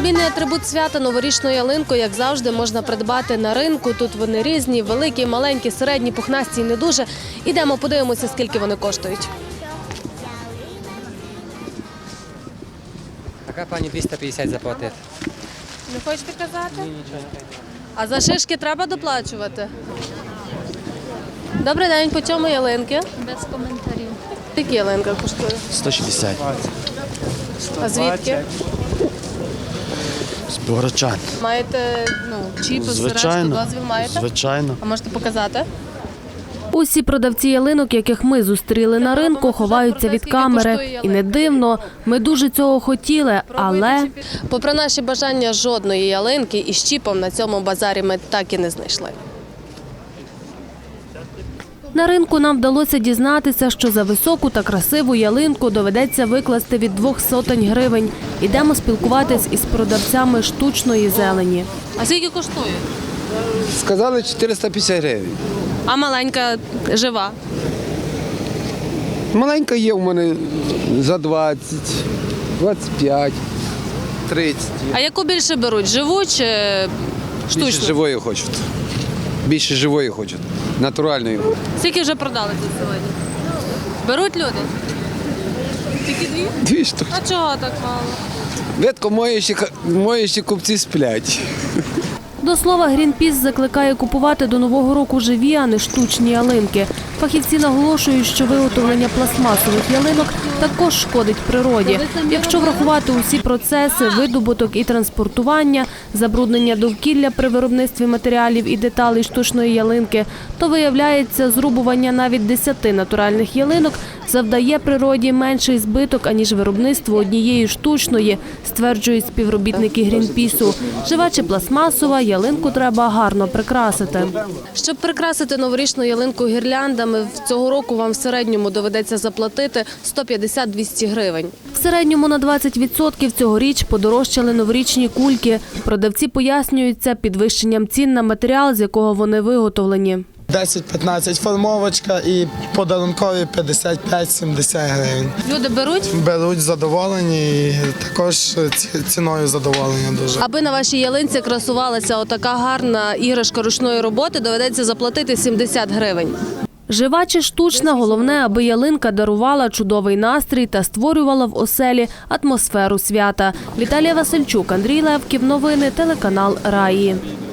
Відмінний атрибут свята – новорічну ялинку, як завжди, можна придбати на ринку. Тут вони різні, великі, маленькі, середні, пухнасті і не дуже. Ідемо, подивимося, скільки вони коштують. Така пані 250 заплатити. Не хочете казати? Ні, нічого не кажу. А за шишки треба доплачувати? Добрий день, по чому ялинки? Без коментарів. Скільки ялинка коштує? 160. А звідки? З Богородчан. Маєте чіп, зрештою, дозвіл маєте? Звичайно. А можете показати? Усі продавці ялинок, яких ми зустріли на ринку, ховаються від камери. І не дивно, ми дуже цього хотіли, але… Попри наші бажання, жодної ялинки із чіпом на цьому базарі ми так і не знайшли. На ринку нам вдалося дізнатися, що за високу та красиву ялинку доведеться викласти від 200 гривень. Ідемо спілкуватись із продавцями штучної зелені. А скільки коштує? Сказали 450 гривень. А маленька жива? Маленька є у мене за 20, 25, 30. А яку більше беруть? Живу чи штучну? Більше живої хочуть. Більше живої хочуть. Натуральної. Скільки вже продали тут сьогодні? Беруть люди? Тільки дві? Дві штуки. А чого так мало? Ветко мої ще купці сплять. До слова, Грінпіс закликає купувати до Нового року живі, а не штучні ялинки. Фахівці наголошують, що виготовлення пластмасових ялинок також шкодить природі. Якщо врахувати усі процеси, видобуток і транспортування, забруднення довкілля при виробництві матеріалів і деталей штучної ялинки, то виявляється, зрубування навіть 10 натуральних ялинок завдає природі менший збиток, аніж виробництво однієї штучної, стверджують співробітники Грінпісу. Жива чи пластмасова, ялинку треба гарно прикрасити. Щоб прикрасити новорічну ялинку гірляндами, цього року вам в середньому доведеться заплатити 150-200 гривень. В середньому на 20% цьогоріч подорожчали новорічні кульки. Продавці пояснюють це підвищенням цін на матеріал, з якого вони виготовлені. 10-15 формовочка і подарункові 55-70 гривень. Люди беруть? Беруть задоволені і також ціною задоволення дуже. Аби на вашій ялинці красувалася отака гарна іграшка ручної роботи, доведеться заплатити 70 гривень. Жива чи штучна, головне, аби ялинка дарувала чудовий настрій та створювала в оселі атмосферу свята. Віталія Васильчук, Андрій Левків. Новини, телеканал Раї.